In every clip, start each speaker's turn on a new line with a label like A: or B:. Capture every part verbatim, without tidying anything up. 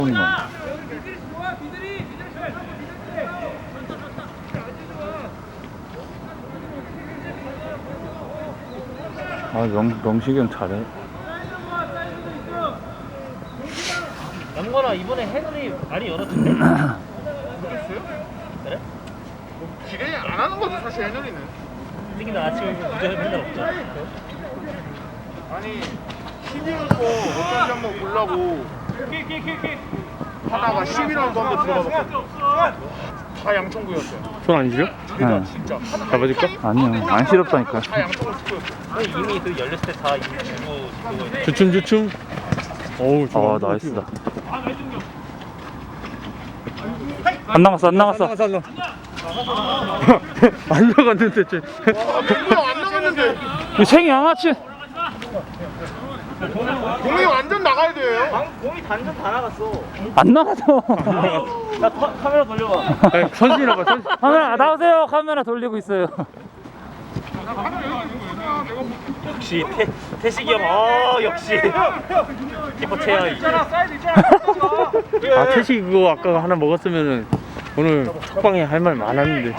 A: 아, 명, 명식이 형 잘해.
B: 영건아 이번에 해설이 많이 열었던데?
C: 모르겠어요?
B: 그래?
C: 뭐 기대 안 하는 거죠 사실 해설이는.
B: 솔직히 나 아침에 무전에 맨날 없잖아.
C: 아니 십일 번 어떤지 한번 보려고 하다가 십일 번도 한번 들어가봤거든. 다 양천구였어요.
D: 손 안 시려?
C: 제가
A: 네.
C: 진짜
D: 잡아줄까?
A: 아니요, 안 시렵다니까.
C: 다 양천구 스코였어요.
B: 아니 이미 그 열렸을 때 다 이미 주고 그거 있
D: 주춤 주춤. 어우 좋아.
A: 아, 나이스다. 안 나갔어, 안 나갔어.
D: 나가서 안 나가. 안 나갔는데 쟤.
C: 아 맹구형 안 나갔는데
A: 이 생양아치.
C: 공이 완전 나가야 돼요.
B: 방 공이 단전 다 나갔어.
A: 안 나가서.
B: 야 카, 카메라 돌려봐.
D: 아니, 선수이라고 선.
A: 카메라 나오세요. 카메라 돌리고 있어요.
B: 역시 태, 태식이 형, 아 역시 키퍼 최하위.
D: 아 태식 그거 아까 하나 먹었으면은 오늘 톡방에 할 말 많았는데.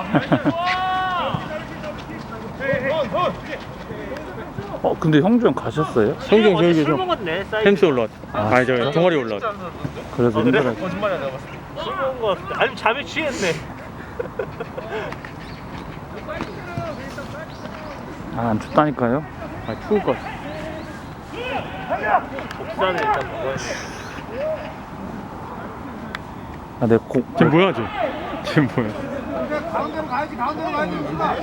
A: 어, 근데 형주 형 가셨어요?
D: 성경
B: 어제 술
D: 저기서
B: 먹었네. 사이드.
D: 햄스 올라왔. 아니 저 동아리 올라왔.
A: 그래서
B: 아, 그래?
A: 힘들어.
B: 거짓말이야 내가 봤을 때. 술 먹은 거 같은데. 아니 잠에 취했네.
A: 아, 안 춥다니까요?
D: 아 추울 것 같아.
B: 복사는 일단 먹어야 돼.
A: 아, 내 고,
D: 쟤 뭐야 쟤? 쟤 뭐야?
C: 가운데로 가야지 가운데로 가야지.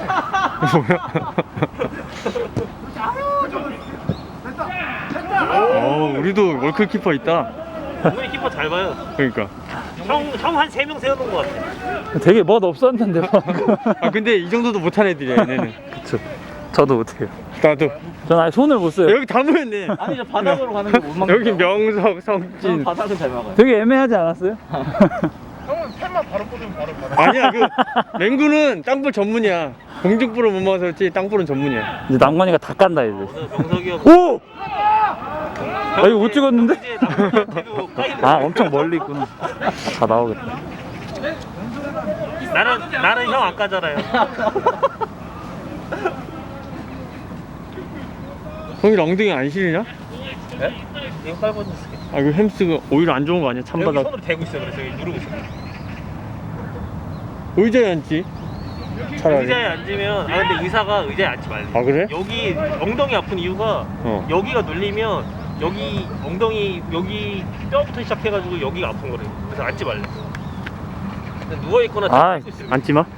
D: 어 우리도 월클 키퍼 있다.
B: 오늘 키퍼 잘 봐요.
D: 그러니까.
B: 형형 한 세 명 세워놓은 거 같아.
A: 되게 멋 없었는데.
D: 아 근데 이 정도도 못한 애들이야 얘네는.
A: 그쵸. 저도 못해요.
D: 나도.
A: 전 아예 손을 못 써요.
D: 여기 다 모였네.
B: 아니 저 바닥으로 가는 게 못 막는
D: 여기 명석, 성진.
B: 바닥은 잘 막아요.
A: 되게 애매하지 않았어요?
C: 형은 펜만 바로 꽂으면 바로 바로.
D: 아니야 그 맹구는 땅볼 전문이야. 공중볼을 못 막아서 그렇지 땅볼은 전문이야.
A: 이제 낭만이가 다 깐다, 이제.
B: 오늘 명석이 형.
A: 오! 아, 이거 못 찍었는데?
B: 이제 남편한테도 까이는
A: 아, 엄청 멀리 있구나. 다 나오겠다.
B: 나는 나는 형 안 까잖아요.
D: 형이 엉덩이 안 시리냐?
B: 네? 이거 깔고 있을게.
D: 아 그 햄스가 오히려 안 좋은 거 아니야?
B: 여기
D: 찬바닥.
B: 손으로 대고 있어. 그래서 여기 누르고 있어.
D: 의자에 앉지. 차라리.
B: 의자에 앉으면 아 근데 의사가 의자에 앉지 말래.
D: 아 그래?
B: 여기 엉덩이 아픈 이유가
D: 어.
B: 여기가 눌리면 여기 엉덩이 여기 뼈부터 시작해가지고 여기가 아픈 거래. 그래서 앉지 말래. 근데 누워 있거나
A: 아,
B: 잡고 있으면
D: 앉지 마.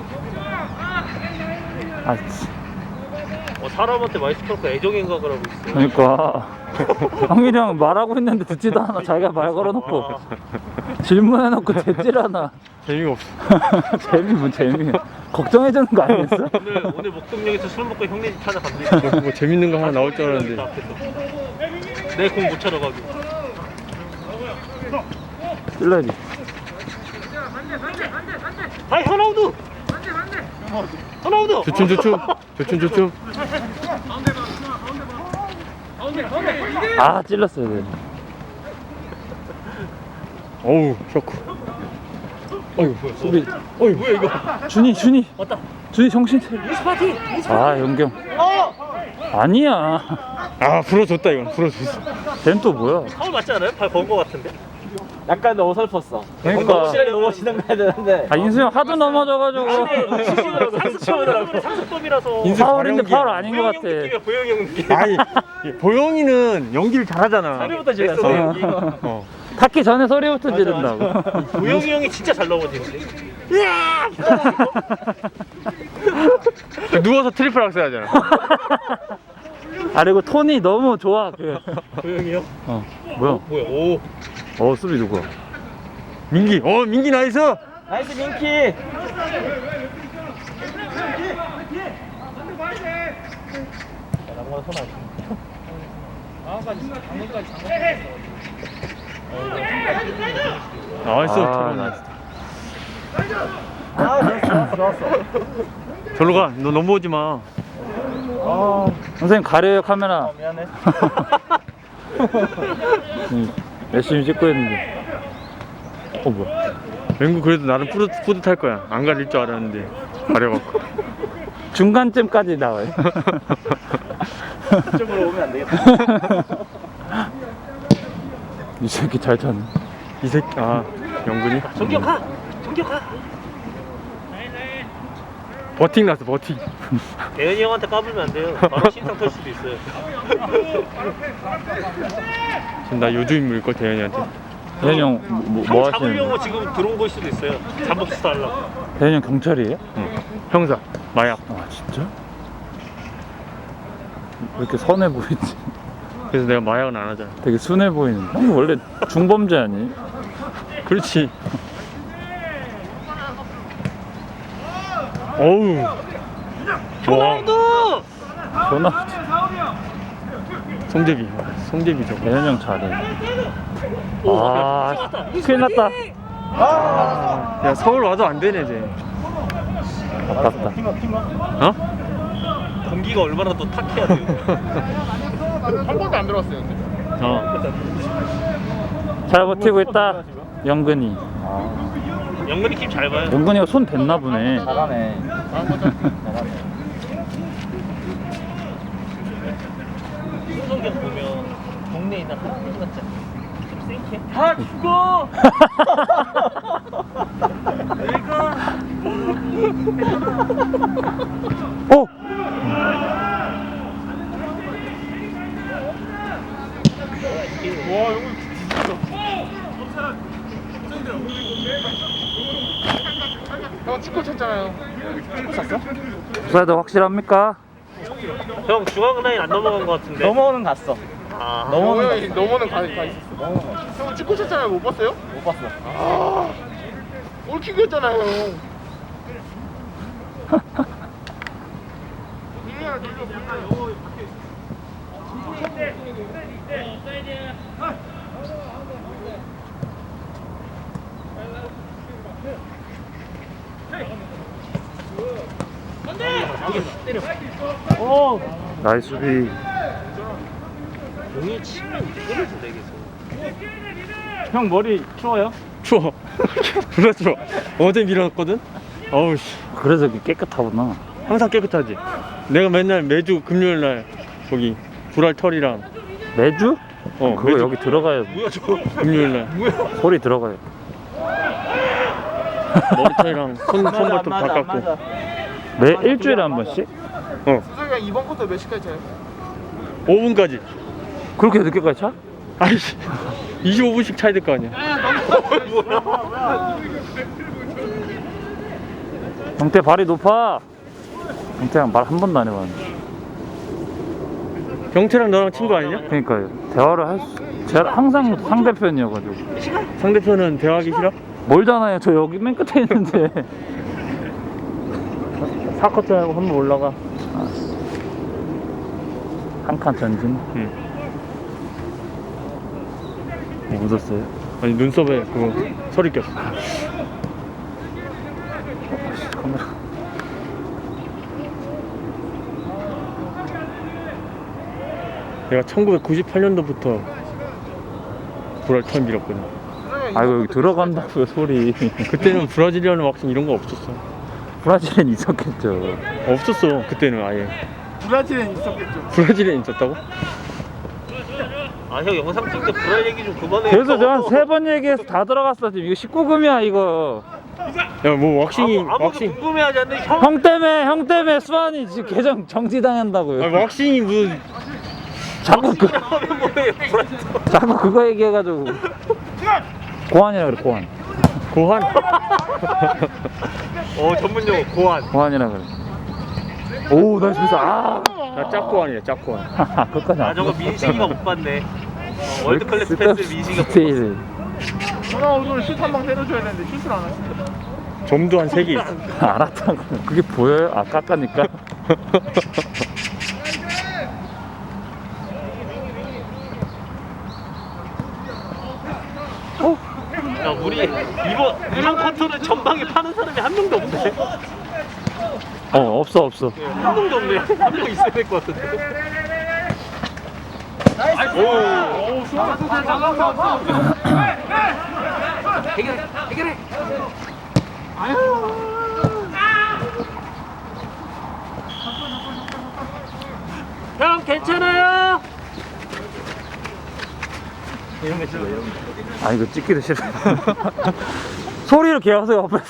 A: 아, 씨.
B: 어, 사람한테 많이 시끄럽고 애정행각을 하고 있어.
A: 그러니까. 형일이 형 말하고 있는데 듣지도 않아. 자기가 말 걸어놓고. 질문해놓고 대질하나.
D: 재미가 없어.
A: 재미, 뭐 재미. 걱정해주는 거 아니었어?
B: 오늘 오늘 목동역에서 술 먹고 형네 집 찾아갑니다.
D: 뭐, 뭐 재밌는 거 하나 나올 줄 알았는데.
B: 내 공 못 차러 가고.
A: 찔러야지.
B: 아이 현아우드. 현아우드.
D: 조춤 조춤. 조춤 조춤.
A: 아, 찔렀어야 돼.
D: 어우 쇼크. 어이구
A: 수비.
D: 어이 뭐야 이거.
A: 준이, 준이.
B: 왔다.
A: 준이 정신 차려.
B: 스파티.
A: 아, 연경.
B: 어.
A: 아니야.
D: 아 불어줬다 이건 불어줬어.
A: 쟤는 또 뭐야?
B: 파울 맞지 않아요? 발 건 거 같은데.
E: 약간 어설펐어.
A: 그러니까.
E: 확실하게 넘어지는 가야 되는데.
A: 아, 인수 형 하도 넘어져가지고.
B: 근데 상습범이라서 상습범이라서.
D: 인수
A: 파울인데
D: 발연기야.
A: 파울 아닌 것
B: 보영이 형
A: 같아.
B: 느낌이야. 보영이 형 느낌.
D: 아니 보영이는 연기를 잘하잖아.
B: 소리부터 질렀어.
A: 어.
D: 어.
A: 닿기 전에 소리부터 지른다고.
B: 보영이 형이 진짜 잘 넘어지는데.
D: 누워서 트리플 악셀 하잖아.
A: 아, 그리고 톤이 너무 좋아. 그.
B: 보영이 형.
A: 어, 뭐야?
B: 뭐야? 오.
A: 어, 수비 누구야?
D: 민기. 어 민기 나이스.
E: 나이스 민키.
B: 남과 손 안.
D: 나이스.
A: 아,
D: 저런.
A: 나이스.
E: 아 좋았어 좋았어.
D: 절로 가. 너 넘어오지 마.
A: 선생님 가려요, 카메라.
E: 미안해.
A: 응. 열심히 찍고 있는데. 어 뭐야?
D: 맹구 그래도 나름 푸드, 푸드 탈 거야. 안 가릴 줄 알았는데 가려갖고.
A: 중간쯤까지 나와요.
E: 이쪽으로 오면 안 되겠다.
A: 이 새끼 잘 쳤네.
D: 이 새끼 아 영근이
B: 정격하! 정격하!
D: 버팅 났어 버팅.
B: 대현이 형한테 까불면 안 돼요. 바로 신상 털 수도 있어요.
D: 지금 나 요주 인물일 걸 대현이한테.
A: 대현이 형 뭐,
B: 형
A: 뭐
B: 잡으려고
A: 하시는?
B: 지금 들어온 걸 수도 있어요. 잠복 수사 하려고.
A: 대현이 형 경찰이에요?
D: 응. 형사 마약.
A: 아 진짜? 왜 이렇게 선해 보이지?
D: 그래서 내가 마약은 안 하잖아.
A: 되게 순해 보이는. 형이 원래 중범죄 아니?
D: 그렇지. 어우. 와.
B: 호날두!
A: 전화.
D: 송재비. 송재비 저거.
A: 대현이 형 잘해.
B: 오,
A: 아,
B: 맞다.
A: 큰일 났다.
D: 아, 야 서울 와도 안 되네 이제.
A: 아깝다.
D: 어?
B: 공기가 얼마나 더 탁해야 돼요.
C: 한 번도 안 들어왔어요. 근데.
D: 어.
A: 잘 버티고 있다. 영근이.
B: 영근이 킴 잘 봐요.
A: 영근이가 손 댔나 보네.
E: 잘하네. 잘하네.
B: 홍성경 보면 동네에 있는 할아버지 같지 않아요? 좀 생캐?
E: 다 죽어!
B: 내가
A: 어?
C: 와 이거 형 축구 쳤잖아요. 축구 쳤어?
A: 부사드 확실합니까?
B: 형 중앙 라인 안 넘어간 것 같은데.
E: 넘어오는 갔어.
B: 아,
C: 넘어는 형이 넘어는 가, 가 있었어. 형 축구 쳤잖아요. 못 봤어요?
E: 못 봤어.
C: 아 골킥이었잖아요. 형. 밀려야 돌려 밀려.
B: 오!
A: 나이스 수비.
B: 공이 치면 이거를 준다 계속.
E: 형 머리 추워요?
D: 추워. 졸라 추워. 어제 밀어놨거든. 어우 씨.
A: 그래서 이렇게 깨끗하구나.
D: 항상 깨끗하지. 내가 맨날 매주 금요일 날 거기 불알 털이랑
A: 매주?
D: 어
A: 그거
D: 매주
A: 여기 들어가야
B: 뭐야 저거?
D: 금요일 날
A: 소리 들어가요.
D: 머리털이랑 손
E: 맞아,
D: 손발톱
E: 안
D: 다
E: 맞아, 안
D: 깎고.
E: 맞아.
A: 매 일주일에 한 번씩?
D: 어
C: 수석이가 이번 쿼터 몇 시까지 차요?
D: 오 분까지.
A: 그렇게 늦게까지 차?
D: 아이씨. 이십오 분씩 차야 될 거 아니야.
A: 경태 발이 높아. 경태랑 말 한 번도 안 해봤는데.
D: 경태랑 너랑 친구 아니냐?
A: 그러니까요. 대화를 할 수, 제가 항상 상대편이어가지고.
D: 상대편은 대화하기 싫어?
A: 멀잖아요. 저 여기 맨 끝에 있는데.
D: 사커트하고 한번 올라가.
A: 한 칸 전진.
D: 응.
A: 뭐 묻었어요?
D: 아니 눈썹에 그거 서리 꼈어.
A: 카메라.
D: 내가 천구백구십팔 년도부터 불알 털 밀었거든.
A: 아이고 여기 들어간다고요 소리.
D: 그때는 브라질리언 왁싱 이런 거 없었어.
A: 브라질엔 있었겠죠.
D: 없었어 그때는 아예.
C: 브라질엔 있었겠죠.
D: 브라질에 있었다고?
B: 아 형 영상 찍을 때 불알 얘기 좀 그만해.
A: 그래서 제가 한 세 번 얘기해서 다 들어갔어. 지금 이거 십구 금이야 이거.
D: 야 뭐 왁싱이
B: 아무, 아무도
D: 왁싱.
B: 궁금해하지 않는 형.
A: 형 때문에 형 때문에 수환이 지금 계정 정지당한다고요.
D: 아니 왁싱이 무슨
A: 자꾸 그
B: 하면 뭐예요? 불알.
A: 자꾸 그거 얘기해가지고 고환이라 그래 고환.
D: 고환?
B: 어 전문 용어 고안.
A: 고환이라 그래. 오 나이스 미스. 아
D: 나 짝고환이야 짝고환.
A: 하하, 끝까지
B: 아
A: 안
B: 저거
A: 봤어.
B: 민식이가 못 봤네. 어, 월드 클래스 패스 민식이가 못 봤어.
A: 스테이지.
C: 누나 오늘 슛 한 방 때려줘야 되는데 슛을 안 하시네.
D: 점도 한 세 개 있어.
A: 알았다고. 그게 보여요? 아 깎아니까.
B: 야 우리 이번 이번 쿼터는 전방에 파는 사람이 한 명도 없네.
A: 어 없어 없어.
B: 한 명도 없네. 한 명 있어야 될 것 같은데.
C: 오, 수아.
B: 형 괜찮아요?
E: 이런 거 찍어, 이런 거.
A: 아 이거 찍기도 싫어. 소리를 개하세요 옆에서.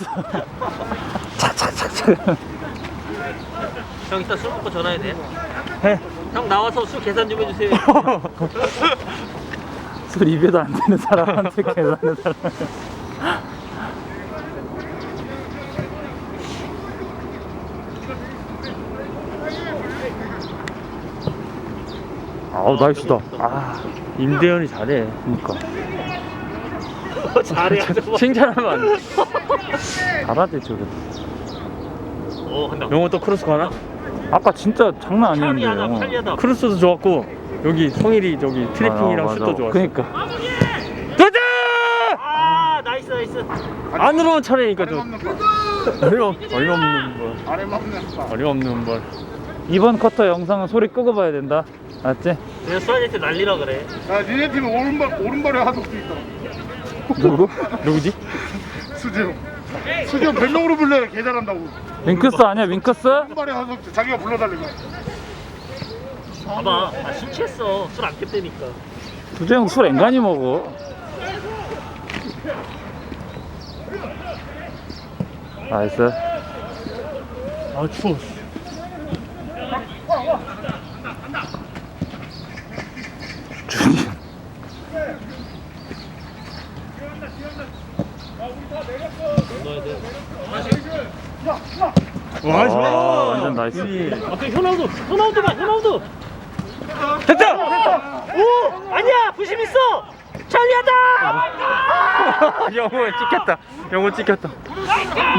A: 착착착착.
B: 형 이따 술 먹고 전화해야 돼.
A: 해.
B: 형 나와서 술 계산 좀 해주세요.
A: 술 입에도 안 되는 사람한테 계산하는 사람. 아우 나이스다. 아
D: 임대현이 잘해.
A: 그니까
B: 잘해.
D: 칭찬하면 안 돼.
A: 잘하지 저게.
B: 어 한다.
D: 영호 또 크로스 가나?
A: 아까 진짜 장난 아니었는데.
B: 편리하다
A: 영어.
B: 편리하다.
D: 크로스도 좋았고 여기 성일이 저기 트래핑이랑
A: 아,
D: 슛도
A: 맞아.
D: 좋았어.
A: 그니까
D: 도전!
B: 아 나이스 나이스.
D: 안으로만 차례니까 좀
C: 없는 걸.
D: 어려 어림없는 걸.
C: 아래 맞는 거.
D: 어림없는 걸.
A: 이번 쿼터 영상은 소리 끄고 봐야 된다. 알았지?
B: 내가 수아한테 난리라 그래.
C: 야, 니네 팀 오른발 오른발에 하석도 있다.
A: 누구?
D: 누구지?
C: 수지형. 수지형 별명으로 불러요. 개 잘한다고.
A: 윙크스 아니야 윙크스?
C: 오른발에 하석도 자기가 불러달라고.
B: 봐봐. 아, 술 취했어. 술 안 깼다니까.
A: 두재형 술 앵간히 먹어. 나이스.
D: 아 추워.
A: 준이.
B: 넣어야 돼.
D: 와
A: 아,
D: 좋아.
A: 완전 나이스.
B: 아, 그 호나우두. 호나우두 봐. 호나우두.
D: 됐다.
B: 오! 아니야. 부심 있어. 천리하다.
D: 영호 찍혔다. 영호 찍혔다.